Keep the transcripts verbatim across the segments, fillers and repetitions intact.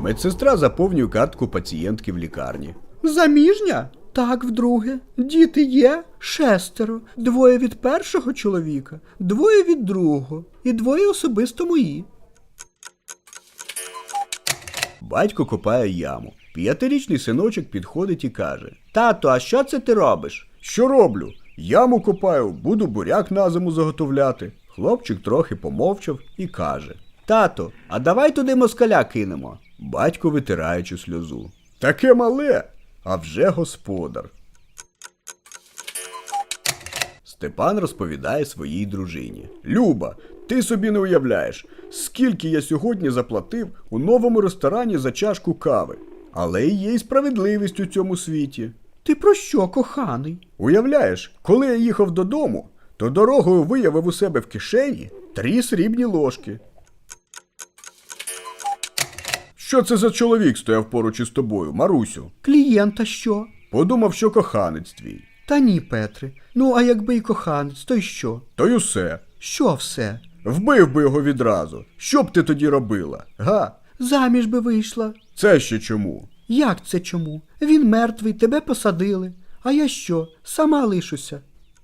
Медсестра заповнює картку пацієнтки в лікарні. Заміжня? Так, вдруге. Діти є? Шестеро. Двоє від першого чоловіка, двоє від другого і двоє особисто мої. Батько копає яму. П'ятирічний синочок підходить і каже: «Тато, а що це ти робиш?» «Що роблю? Яму копаю, буду буряк на зиму заготовляти». Хлопчик трохи помовчав і каже: «Тато, а давай туди москаля кинемо». Батько витираючи сльозу: «Таке мале, а вже господар». Степан розповідає своїй дружині: «Люба, ти собі не уявляєш, скільки я сьогодні заплатив у новому ресторані за чашку кави. Але і є й справедливість у цьому світі». Ти про що, коханий? Уявляєш, коли я їхав додому, то дорогою виявив у себе в кишені три срібні ложки. Що це за чоловік стояв поруч із тобою, Марусю? Клієнта що? Подумав, що коханець твій. Та ні, Петре. Ну, а якби й коханець, то й що? То й усе. Що все? Вбив би його відразу. Що б ти тоді робила, га? Заміж би вийшла. Це ще чому? Як це чому? Він мертвий, тебе посадили. А я що? Сама лишуся.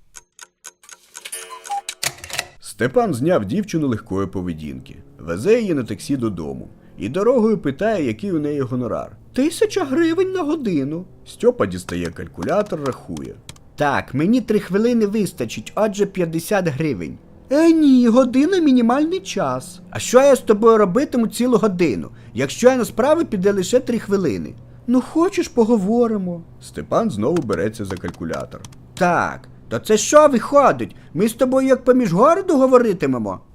Степан зняв дівчину легкої поведінки. Везе її на таксі додому. І дорогою питає, який у неї гонорар. Тисяча гривень на годину. Стьопа дістає калькулятор, рахує. Так, мені три хвилини вистачить, отже п'ятдесят гривень. Е, ні, година мінімальний час. А що я з тобою робитиму цілу годину, якщо я на справи піде лише три хвилини? Ну хочеш, поговоримо. Степан знову береться за калькулятор. Так, то це що виходить? Ми з тобою як поміж городу говоритимемо?